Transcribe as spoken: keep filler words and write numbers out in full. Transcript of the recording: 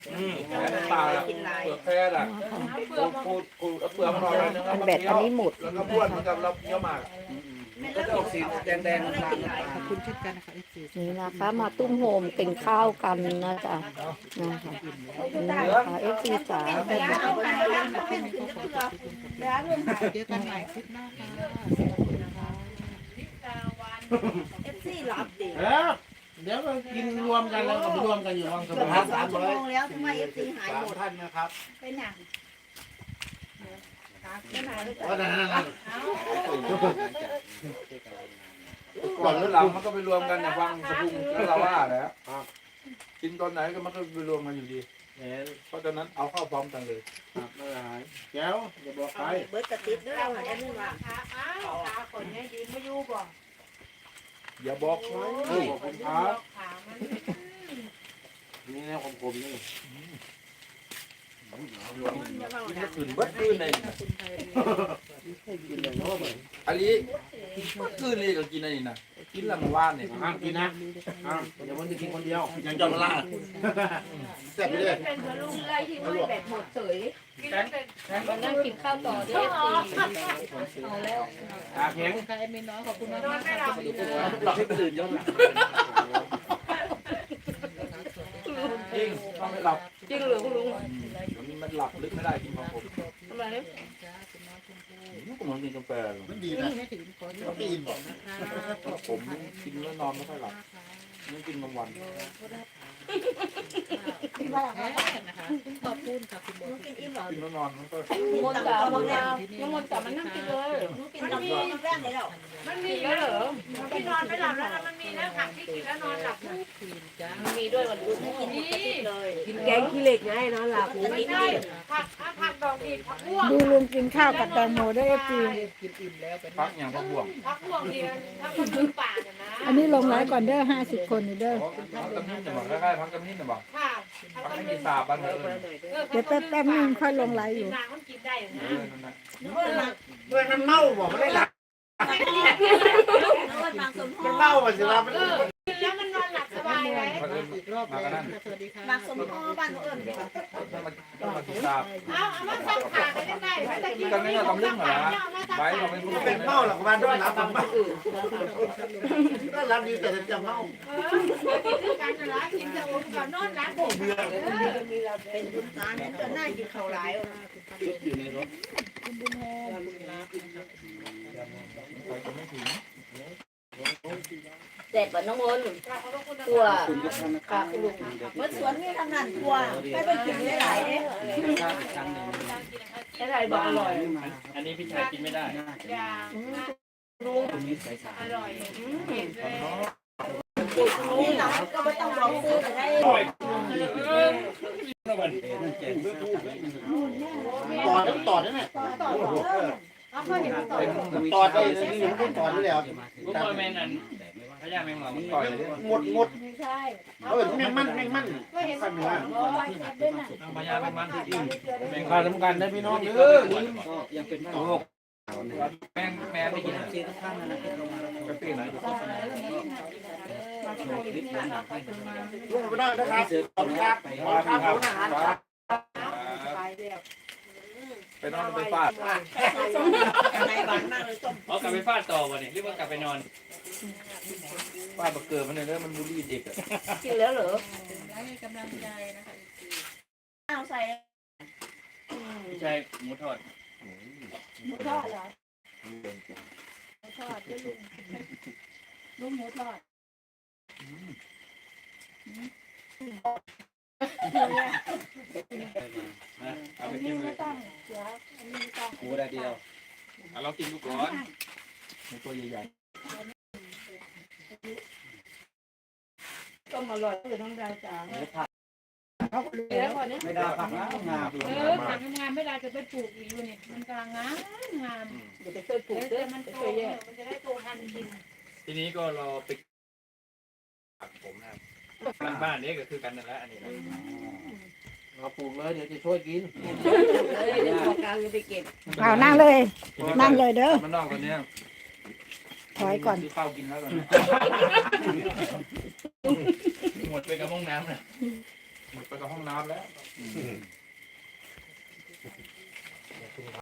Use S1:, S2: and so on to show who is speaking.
S1: อืมปลาเปลือกแค่ละปูปูปูเปลือกมันออกเลยนะครับ
S2: อันแบตอันนี้หมด
S1: แล้วก็บ้วนเหมือนกับเราเคี้ยวหมากก็จะออกสีแดงๆน้ำตาล
S3: ขอบคุณเช่นกันนะคะ
S2: นี่นะคะมาตุ้มโฮมกินข้าวกันนะจ๊ะนะคะนี่นะคะเอฟซีจ๋า
S3: เจอกันใหม่คลิปหน้าค่ะ
S4: เอฟซีรับดิ
S5: เออเดี๋ยวเรากินรวมกันแล้วก็ไปรวมกันอยู่วังส
S4: เกื
S5: มุ
S4: อบ
S5: ทร
S4: สามชั่วโมงแล้วทำไมเอฟซีหาย
S5: สาม
S4: หมด
S5: ท่านนะครับ
S4: เป็นอย่างเป็นหายหรือเป
S5: ก็
S4: ล่า
S5: นั่นนั่น
S1: ก่อนหรือหลังมันก็ไปรวมกันนะฟังสะพุงแล้วเราว่าแล้วกินตอนไหนก็มันก็ไปรวมกันอยู่ดี
S5: เห็น
S1: เพราะฉะนั้นเอาเข้าพร้อมกันเลย
S5: ครับไม่หายแก้วอย่าบอกใคร
S4: เบิร์ดกระติดด้วยเราแอดมินว่า
S1: อย่าบอกใครบอกคุณครับ
S5: นี่แนวคมๆนี่
S1: กินให้คืนเบิดคืนเลย
S5: กินอย่างโน้มเลย
S1: อันนี้เบิดคืนเลยก็กินอันนี้นะกินละเมื่อวานเนี่ย
S5: ห้ามกินนะห้ามเดี๋ยวมันจะกินคนเดียวอย่างจอมล่าแซ่บไปเลย
S6: เป็นพลุงไล่ที่ไม่แบบหมดเฉยมานั่งกินข้าวต่อด้วยเอาแล้ว
S5: ตาแข็ง
S3: ค่ะแอดมินน้อยขอบคุณมาก
S6: นอนไม่หลับอีกเลย
S1: หลับให้ตื่นย้อนหลังจริงนอนไม่หลับ
S6: จริงเหรือคุณลุง
S1: มันหลับลึกไม่ได้กินของผม
S6: ทำไมเนี่ย
S1: ผมมันกินกาแฟ
S5: มันดีนะ
S3: ไม่ถึงขอ
S5: ต้องกินบอก
S1: ผมกินแล้วนอนไม่ค่อยหลับไม่กินบางวัน
S3: นะคะขอบคุณค่ะคุณโบ
S4: ลูกกินอิ่มหรอ
S1: กินแล้วนอนมันก็
S6: มนต์จ๋ามนต์จ๋าน้ำมนต์จ๋ามันนั่งกินเลย
S4: ลูกกินกับพ่อแป้งเลยหรอ
S6: มันมีแล้วเหรอ
S7: ที่นอนไม่หลับแล้วนะมันมีนะผักที่กินแล้วนอนหลับนะ
S3: คืนจ้า
S6: มันมีด้วยวันรุ่น
S4: กินหมดกระติดเลย
S6: แกงขี้เหล็กไงนอนหลับ
S4: กระติด
S7: ใช่ผักอ่ะผักดอกดีผักม่วง
S2: ดูลุงกินข้าวกับแตงโมด้วยเอฟซี
S3: กินอิ่มแล้วเป็น
S1: พักอย่างพวกบ่วง
S7: ผักม่วงดีนะถ้าคนพื้นป่าเนี่ยนะ
S2: อันนี้ลงไลฟ์ก่อนเด้อห้าสิบคนนี่เด้อ
S1: พักกำนิ้นจะบอกคล้ายๆพักกำนิ้นจะบอก
S7: ค่ะผัก
S1: พัก
S7: กระ
S1: ไม่
S7: มิ้
S1: มี
S7: น
S1: สาบบ้านเออ
S7: เออ
S2: เดี๋ยวแป๊บแป๊บนึงค่อยลงไลฟ์อยู่
S7: นางมันกินได้อยู่นะ
S1: เออนั่นแหละ
S4: นึกว่ามา
S5: เมื่อมันเมาบอกไม่ได้หลับ
S4: นึกว่ามาสมพ
S5: มัน
S4: ร
S5: เมามันสิรับมัน
S7: เออกินแล้วมันนอนหลับสบายเลย
S1: พักเอิญ
S3: อีกรอบเลยค่ะสวัสดีค่ะ
S4: มาสมพรบ้านเอิญ
S1: ถ้ามันถ้ามันกินสาบ
S7: เอาเอามาซักขาไปได้ได้ไม่ได้กิน
S1: กันนี่เราทำเรื่องเหรอไว้เราไม่พูด
S5: เป็นเมาหรอกบ้านด้วยรับมันเมาก็รับดีแต่จะเมา
S7: เออเดี๋ยวกินด้วยกันนะละกินจะอุ่นก่อนนอนหลับผมเออ
S4: เป็นบุญตาเนี่ยจนหน้ากินข้าวหลาย
S5: อยู่ในรถ
S1: ไปจะไม่ถึง
S6: เด็ดกว่าน้องมนต์ตัวค่ะคุณลุง
S4: เมื่อสวนมีทำงานทัวไปไปกินหลายๆเนี่ย
S6: อะไรบอกอร่อย
S8: อันนี้พี่ชายกินไม่ได้
S7: อย่าลุงอร่อยเห็นเลย
S4: นี่หลังก็ไม่ต้องรอซื้อจะได้
S5: ต่อได้ต่อได้ไหม
S7: เอาเพื่อนเห็นต่อ
S5: ต่อได้นี่ยังไม่ต่อได้แล้ว
S8: พวกบอยแมนอันพญาแมงหลอง
S1: ต่อยเลย
S5: หมดหมด
S4: ไม่ใช่
S5: เออแม่งมันแม่งมัน
S7: เพื่อนเห็นต่อ
S8: พญาแมงมันที่อื่น
S5: แม่งขาดสำคัญนะพี่น้องเออ
S8: ยังเป็นโรคแมงแมงไม่กินซีทุกท่านนะกระปี้ไหน
S5: ลุงไปได้นะครับขอบคุณครับขอบคุณครับขอบคุณอาหารครับ
S1: ไปนอนไปฟาด
S4: ในบ้านมากเลยต้ม
S8: อ๋อกลับไปฟาดต่อวะเนี่ยหรือว่ากลับไปนอน
S1: ฟาดบักเกิดมันเลยมันบูลลี่เด็กอ่ะ
S6: กินแล้วเหรอ
S3: ให้กำลังใจนะคะ
S4: ข้าวใส่
S8: พี่ชายหมูทอด
S4: หมูทอดเหรอหมูทอดด้วยลุงลุงหมูทอด
S8: เอาไปกินเลย
S4: เดี๋ยวอันนี้ต้อง
S8: หมูได้เดียวเอาเรากินดูก่อน
S1: ในตัวใหญ่
S6: ต้มอร่อยเลยน้องดาวจ๋า
S8: ไม่ได้ผักนะงา
S7: เออผักงานไม่ได้จะไปปลูกอีกอยู่นี่มันกำลังงามงาม
S6: เดี๋ยวไปช่วยปลูกเด้อ
S7: มัน
S6: ไป
S7: โต
S6: ช่วยแยก
S7: มันจะได้โตทันกิน
S8: ทีนี้ก็รอไปผักผมนะครับบ้านนี้ก็คือกันนั่นแหละอันนี้
S5: เราปลูกเลยเดี๋ยวจะช่วยกิน
S6: เลยเดี๋ยวของกลางจะไปเก็บ
S2: เอานั่งเลย นั่งเลยเด้อ
S1: มันนอกตัวเนี้ย
S2: ถอยก่อน
S1: ซื้อข้าวกินแล้วตอนนี้
S8: หมดไปกับห้องน้ำนะ
S1: หมดไปกับห้องน้ำแล้ว